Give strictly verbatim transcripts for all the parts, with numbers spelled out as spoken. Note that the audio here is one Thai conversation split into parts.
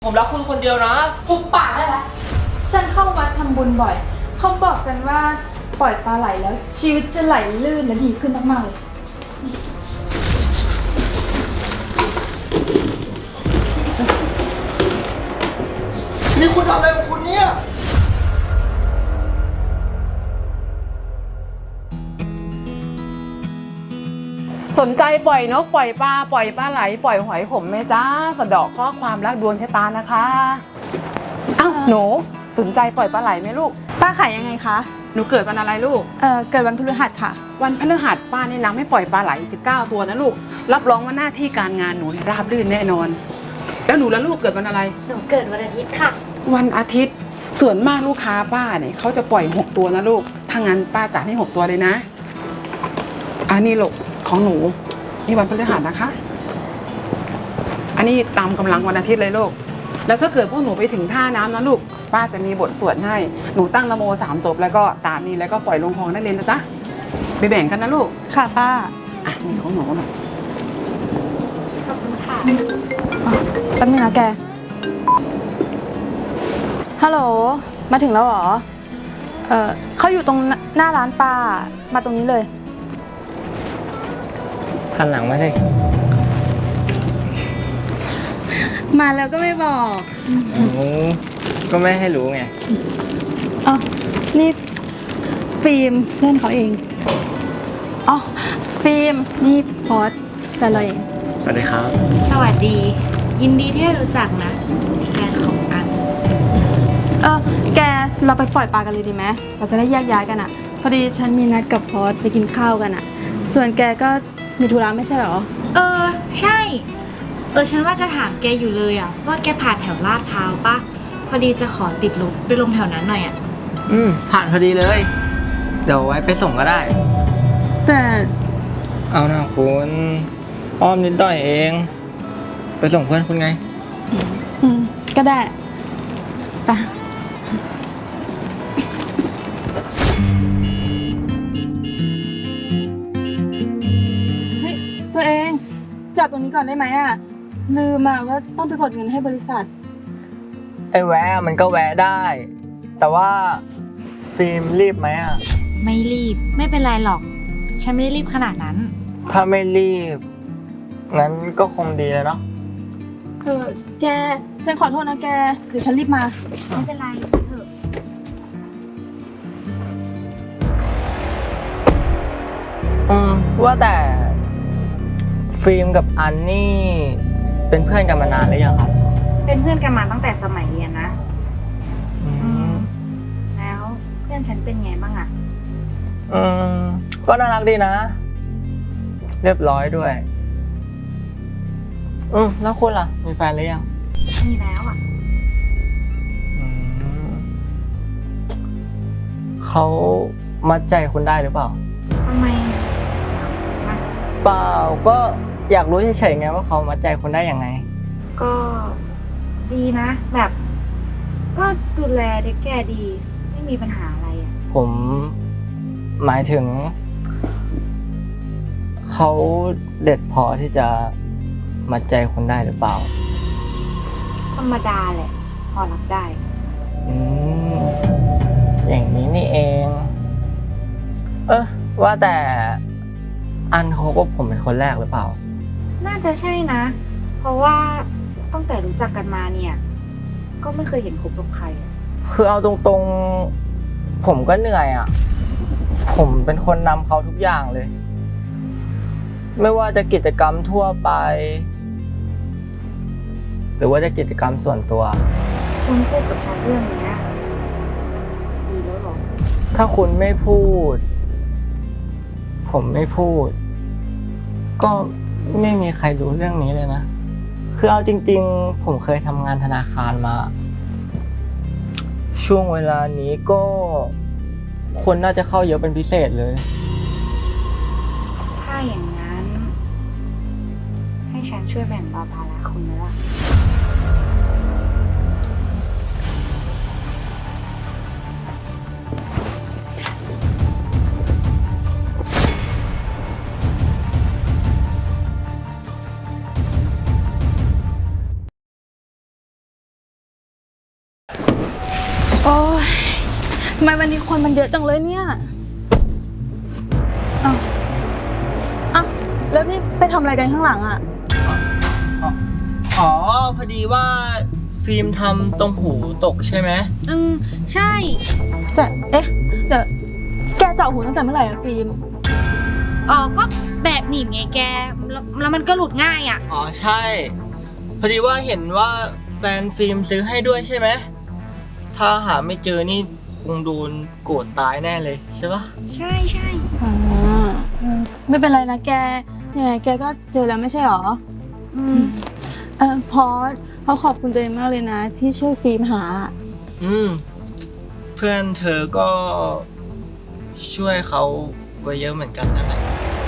ผมรักคุณคนเดียวนะหุบปากได้แล้วฉันเข้าวัดทำบุญบ่อยเขาบอกกันว่าปล่อยปลาไหลแล้วชีวิตจะไหลลื่นและดีขึ้นมากๆเลยนี่คุณทำอะไรของคุณเนี่ยสนใจปล่อยนกปล่อยปลาปล่อยปลาไหลปล่อยหอยผมไหมจ้าสะเดาะข้อความรักดวงชะตานะคะอ้าวหนูสนใจปล่อยปลาไหลไหมลูกป้าขายยังไงคะหนูเกิดวันอะไรลูกเอ่อเกิดวันพฤหัสค่ะวันพฤหัสป้าแนะนำให้ปล่อยปลาไหลสิบเก้าตัวนะลูกรับรองว่าหน้าที่การงานหนูราบรื่นแน่นอนแล้วหนูแล้วลูกเกิดวันอะไรหนูเกิดวันอาทิตย์ค่ะวันอาทิตย์ส่วนมากลูกค้าป้าเนี่ยเขาจะปล่อยหกตัวนะลูกถ้างั้นป้าจัดให้หกตัวเลยนะอันนี้ลูกของหนูนี่วันพฤหัสนะคะอันนี้ตามกำลังวันอาทิตย์เลยลูกแล้วถ้าเกิดพวกหนูไปถึงท่าน้ำนะลูกป้าจะมีบทสวดให้หนูตั้งนะโมสามจบแล้วก็ตามนี้แล้วก็ปล่อยลงคลองได้เลยนะจ๊ะไปแบ่งกันนะลูกค่ะป้าอ่ะนี่ของหนูหน่อยขอบคุณค่ะแป๊บนึงนะแกฮัลโหลมาถึงแล้วเหรอเออเขาอยู่ตรงหน้าร้านป้ามาตรงนี้เลยหันหลังมาสิมาแล้วก็ไม่บอกก็ไม่ให้รู้ไงอ๋อนี่ฟิล์มเพื่อนเขาเองอ๋อฟิล์มนี่พอดแต่เราเองสวัสดีครับสวัสดียินดีที่ได้รู้จักนะแฟนของอันเออแกเราไปปล่อยปลากันเลยดีไหมเราจะได้แยกย้ายกันอ่ะพอดีฉันมีนัดกับพอดไปกินข้าวกันอ่ะส่วนแกก็มีธุระไม่ใช่หรอเออใช่เออฉันว่าจะถามแกอยู่เลยอ่ะว่าแกผ่านแถวลาดพร้าวปะพอดีจะขอติดรถไปลงแถวนั้นหน่อยอ่ะอืมผ่านพอดีเลยเดี๋ยวไว้ไปส่งก็ได้แต่เอาหน้าคุณอ้อมนิดหน่อยเองไปส่งเพื่อนคุณไงอืมก็ได้ไปตัวเองจอดตรงนี้ก่อนได้ไหมอ่ะลืมมาว่าต้องไปกดเงินให้บริษัทไอ้แวะมันก็แวะได้แต่ว่าฟิล์มรีบไหมอ่ะไม่รีบไม่เป็นไรหรอกฉันไม่ได้รีบขนาดนั้นถ้าไม่รีบงั้นก็คงดีแล้วเนาะเออแกฉันขอโทษนะแกเดี๋ยวฉันรีบมาไม่เป็นไรเถอะอืมว่าแต่ฟิล์มกับอันนี่เป็นเพื่อนกันมานานหรือยังครับเป็นเพื่อนกันมาตั้งแต่สมัยเรียนนะอืมแล้วเพื่อนฉันเป็นไงบ้างอ่ะอืมก็น่ารักดีนะเรียบร้อยด้วยอืมแล้วคุณล่ะมีแฟนหรือยังมีแล้วอ่ะอืมเขามัดใจคุณได้หรือเปล่าทำไมเปล่าก็อยากรู้เฉยๆไงว่าเขามัดใจคุณได้ยังไงก็ดีนะแบบก็ดูแลเด็กแก่ดีไม่มีปัญหาอะไรอ่ะผมหมายถึงเขาเด็ดพอที่จะมัดใจคุณได้หรือเปล่าธรรมดาแหละพอรับได้อืมอย่างนี้นี่เองเออว่าแต่อันเขาก็ผมเป็นคนแรกหรือเปล่าน่าจะใช่นะเพราะว่าตั้งแต่รู้จักกันมาเนี่ยก็ไม่เคยเห็นคบกับใครคือเอาตรงๆผมก็เหนื่อยอ่ะผมเป็นคนนำเขาทุกอย่างเลยไม่ว่าจะกิจกรรมทั่วไปหรือว่าจะกิจกรรมส่วนตัวคุณพูดกับฉันเรื่องนี้ดีแล้วหรอถ้าคุณไม่พูดผมไม่พูดก็ไม่มีใครรู้เรื่องนี้เลยนะคือเอาจริงๆผมเคยทำงานธนาคารมาช่วงเวลานี้ก็คนน่าจะเข้าเยอะเป็นพิเศษเลยถ้าอย่างนั้นให้ฉันช่วยแบ่งเบาภาระคุณไหมล่ะโอ้ยทำไมวันนี้คนมันเยอะจังเลยเนี่ยเอ้าเอ้าแล้วนี่ไปทำอะไรกันข้างหลังอ่ะอ๋อ พอดีว่าฟิล์มทำตรงหูตกใช่ไหมอืม ใช่แต่เอ๊ะเดี๋ยวแกเจาะหูตั้งแต่เมื่อไหร่อะฟิล์มอ๋อ ก็แบบหนีบไงแก แล้วแล้วมันก็หลุดง่ายอ่ะอ๋อ ใช่ พอดีว่าเห็นว่าแฟนฟิล์มซื้อให้ด้วยใช่ไหม ถ้าหาไม่เจอนี่คงโดนโกรธตายแน่เลยใช่ปะใช่ใช่อ๋อเออไม่เป็นไรนะแกยังไงแกก็เจอแล้วไม่ใช่หรออืมเออพอสเขาขอบคุณตัวเองมากเลยนะ ที่ช่วยฟิล์มหาอืม เพื่อนเธอก็ช่วยเขาไว้เยอะเหมือนกันนั่นแหละ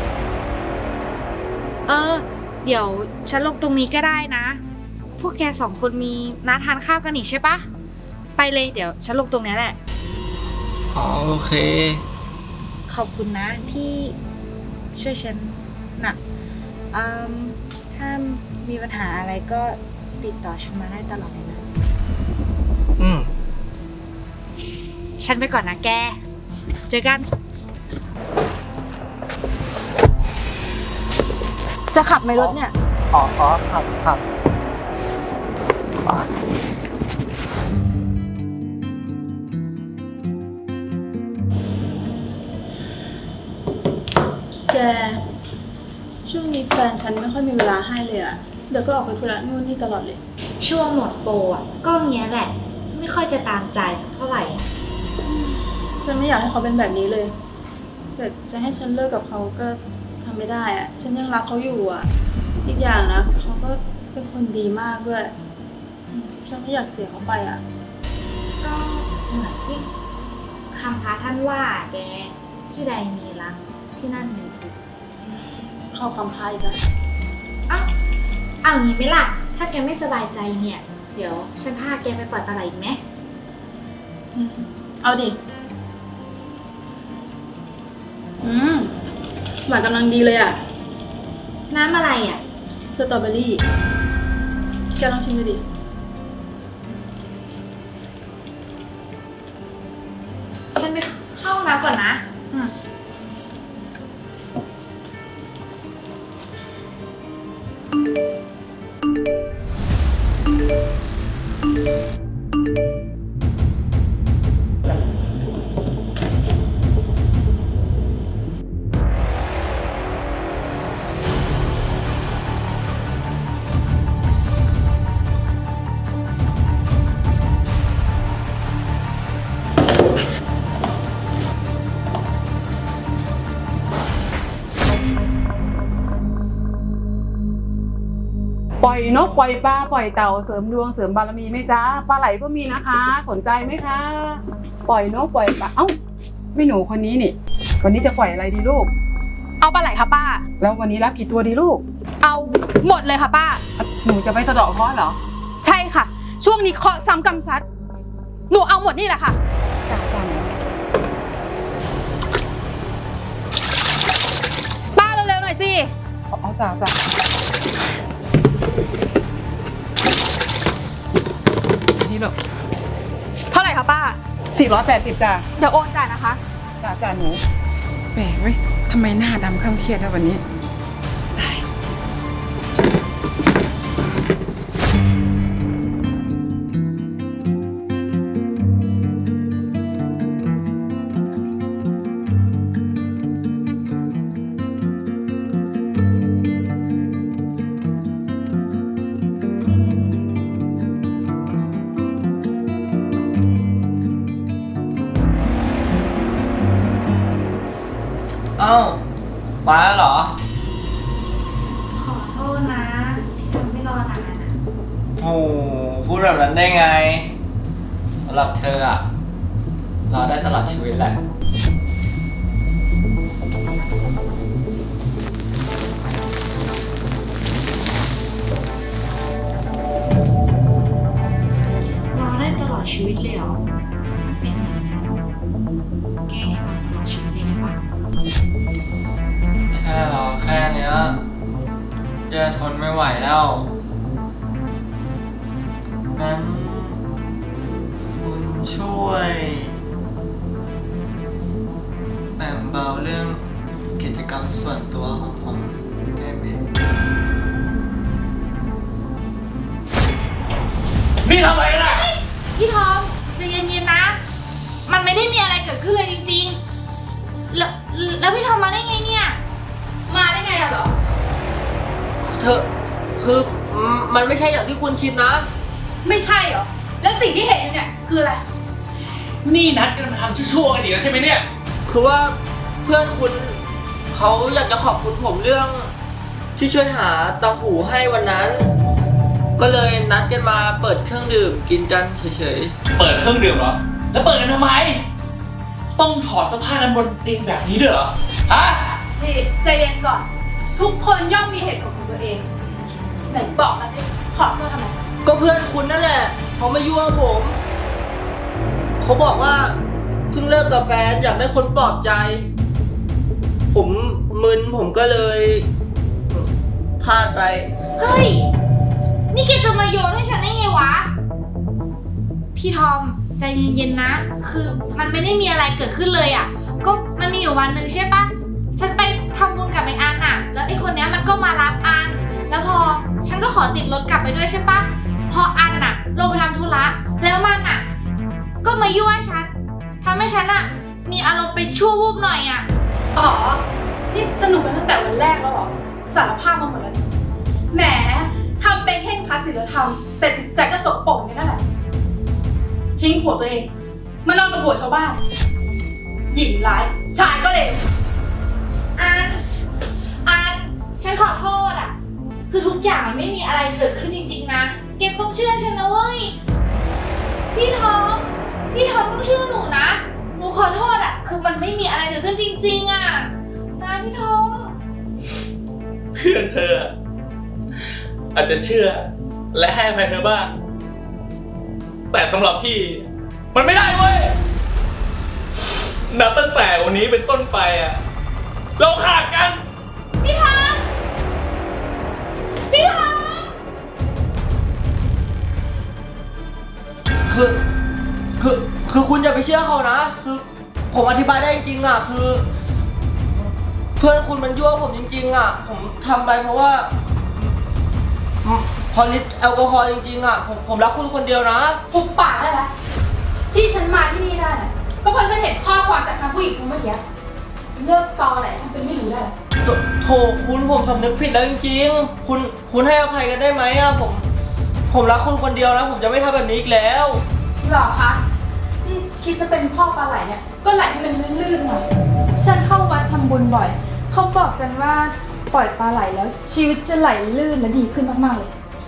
เออ เดี๋ยวฉันลงตรงนี้ก็ได้นะ พวกแกสองคนมีนัดทานข้าวกันอีกใช่ปะ ไปเลยเดี๋ยวฉันลงตรงนี้แหละอ๋อ โอเคขอบคุณนะที่ช่วยฉันนะอืมถ้ามีปัญหาอะไรก็ติดต่อฉันมาได้ตลอดเลยนะอืมฉันไปก่อนนะแก เจอกันจะขับไหมรถเนี่ยอ๋ออ๋อครับครับอ๋อแก ช่วงนี้แฟนฉันไม่ค่อยมีเวลาให้เลยอะเดี๋ยวก็ออกไปธุระนู่นนี่ตลอดเลยช่วงหมดโปรอ่ะ ก็เงี้ยแหละ ไม่ค่อยจะตามใจสักเท่าไหร่อะฉันไม่อยากให้เขาเป็นแบบนี้เลย แต่จะให้ฉันเลิกกับเขาก็ทำไม่ได้อะฉันยังรักเขาอยู่อะอีกอย่างนะเขาก็เป็นคนดีมากด้วยอืมฉันไม่อยากเสียเขาไปอะก็เหมือนที่คำพระท่านว่าแก ที่ใดมีรักที่นั่นมีทุกข์เข้าคำพายอีกแล้วเอ้าเอางี้ไหมล่ะ ถ้าแกไม่สบายใจเนี่ย เดี๋ยวฉันพาแกไปปล่อยปลาไหลอีกไหมอืมเอาดิ อืมหวานกำลังดีเลยอะน้ำอะไรอ่ะสตรอเบอรี่ แกลองชิมดูดิฉันไปเข้าห้องน้ำก่อนนะอืมปล่อยนกปล่อยปลาปล่อยเต่าเสริมดวงเสริมบารมีไหมจ๊ะปลาไหลก็มีนะคะ สนใจไหมคะ ปล่อยนกปล่อยปลาเอ้าไม่หนูคนนี้นี่วันนี้จะปล่อยอะไรดีลูกเอาปลาไหลค่ะป้าแล้ววันนี้รับกี่ตัวดีลูกเอาหมดเลยค่ะป้าหนูจะไปสะเดาะเคราะห์เหรอใช่ค่ะ ช่วงนี้เคาะซ้ำกำซัด หนูเอาหมดนี่แหละค่ะจ้าจ้าป้าเร็วๆหน่อยสิเอาเอาจ้าจ้านี่ลูกเท่าไหร่คะป้าสี่ร้อยแปดสิบจ้าเดี๋ยวโอนจ่ายนะคะจ้าจ้าหนูแปลกเว้ยทำไมหน้าดำข้ามเครียดแล้ววันนี้เอ้ามาแล้วเหรอขอโทษนะ ที่ทำให้รอนานอะโอ้พูดแบบนั้นได้ไงสำหรับเธออะรอได้ตลอดชีวิตแหละรอได้ตลอดชีวิตเลยเหรอเป็นอย่างนั้นแกให้รอตลอดชีวิตเลยได้ปะแค่รอแค่เนี้ยแย่ทนไม่ไหวแล้วงั้นคุณช่วยแบ่งเบาเรื่องกิจกรรมส่วนตัวของผมได้ไหมนี่ทำอะไรนะพี่ทอมใจเย็นๆนะ มันไม่ได้มีอะไรเกิดขึ้นเลยจริงๆ แล้วแล้วพี่ทอมมาได้ไงเนี่ย มาได้ไงอะเหรอเธอคือมันไม่ใช่อย่างที่คุณคิดนะไม่ใช่เหรอ แล้วสิ่งที่เห็นอยู่เนี่ยคืออะไรนี่นัดกันมาทำชั่วๆกันอีกแล้วใช่ไหมเนี่ยคือว่าเพื่อนคุณเขาอยากจะขอบคุณผมเรื่องที่ช่วยหาตังหูให้วันนั้น ก็เลยนัดกันมาเปิดเครื่องดื่มกินกันเฉยเปิดเครื่องดื่มเหรอ แล้วเปิดกันทำไม ต้องถอดเสื้อผ้ากันบนเตียงแบบนี้ด้วยเหรอ ฮะนี่ใจเย็นก่อน ทุกคนย่อมมีเหตุผลของตัวเอง ไหนบอกมาสิถอดเสื้อทำไมๆ ก็เพื่อนคุณนั่นแหละเขามายั่วผม เขาบอกว่าเพิ่งเลิกกับแฟนอยากได้คนปลอบใจ ผมมึนผมก็เลยพลาดไปเฮ้ย นี่แกจะมาโยนให้ฉันได้ไงวะ พี่ทอมใจเย็นๆนะ คือมันไม่ได้มีอะไรเกิดขึ้นเลยอ่ะ ก็มันมีอยู่วันหนึ่งใช่ปะฉันไปทำบุญกับไอ้อันอ่ะ แล้วไอ้คนเนี้ยมันก็มารับอัน แล้วพอฉันก็ขอติดรถกลับไปด้วยใช่ปะพออันอ่ะลงไปทำธุระ แล้วมันอ่ะ ก็มายั่วฉันทำให้ฉันอ่ะ มีอารมณ์ไปชั่ววูบหน่อยอ่ะอ๋อ นี่สนุกกันตั้งแต่วันแรกแล้วเหรอ สารภาพมาหมดแล้วนี่แหมทำเป็นแค่คลาสศิลธรรม แต่จิตใจก็สกปรกกันนั่นแหละ ทิ้งผัวตัวเอง มานอนกับผัวชาวบ้าน หญิงร้าย ชายก็เลวอัน อัน ฉันขอโทษอ่ะ คือทุกอย่างมันไม่มีอะไรเกิดขึ้นจริงๆนะแกต้องเชื่อฉันนะเว้ย พี่ทอม พี่ทอมต้องเชื่อหนูนะ หนูขอโทษอ่ะ คือมันไม่มีอะไรเกิดขึ้นจริงๆอ่ะ นะพี่ทอมเพื่อนเธอ อาจจะเชื่อและให้อภัยเธอบ้าง แต่สำหรับพี่ มันไม่ได้เว้ย นับตั้งแต่วันนี้เป็นต้นไปอ่ะ เราขาดกันพี่ทอม พี่ทอมคือคือคือคุณอย่าไปเชื่อเขานะ คือผมอธิบายได้จริงๆอ่ะคือ เพื่อนคุณมันยั่วผมจริงๆอ่ะ ผมทำไปเพราะว่าพอลิตรแอลกอฮอล์จริงๆอ่ะผมผมรักคุณคนเดียวนะหุบปากได้แล้วที่ฉันมาที่นี่ได้น่ะก็เพราะฉันเห็นข้อความจากทางผู้หญิงคนเมื่อกี้เลิกตอแหละทำเป็นไม่รู้ได้โถโถคุณผมสำนึกผิดแล้วจริงๆ คุณคุณให้อภัยกันได้ไหมอ่ะผม ผมรักคุณคนเดียวนะผมจะไม่ทำแบบนี้อีกแล้วหรอคะนี่คิดจะเป็นพ่อปลาไหลเนี่ยก็ไหลให้มันลื่นๆหน่อย ฉันเข้าวัดทำบุญบ่อย เขาบอกกันว่าปล่อยปลาไหลแล้ว ชีวิตจะไหลลื่นและดีขึ้นมากๆเลย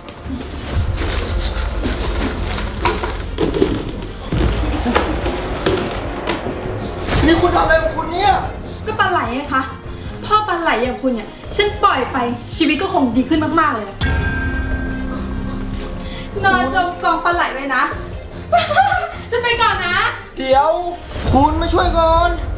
นี่คุณทำอะไรของคุณเนี่ยก็ปลาไหลไงคะพ่อปลาไหลอย่างคุณเนี่ยฉันปล่อยไปชีวิตก็คงดีขึ้นมากๆเลยนะนอนจมกองปลาไหลไว้นะ ฉันไปก่อนนะเดี๋ยว คุณมาช่วยก่อน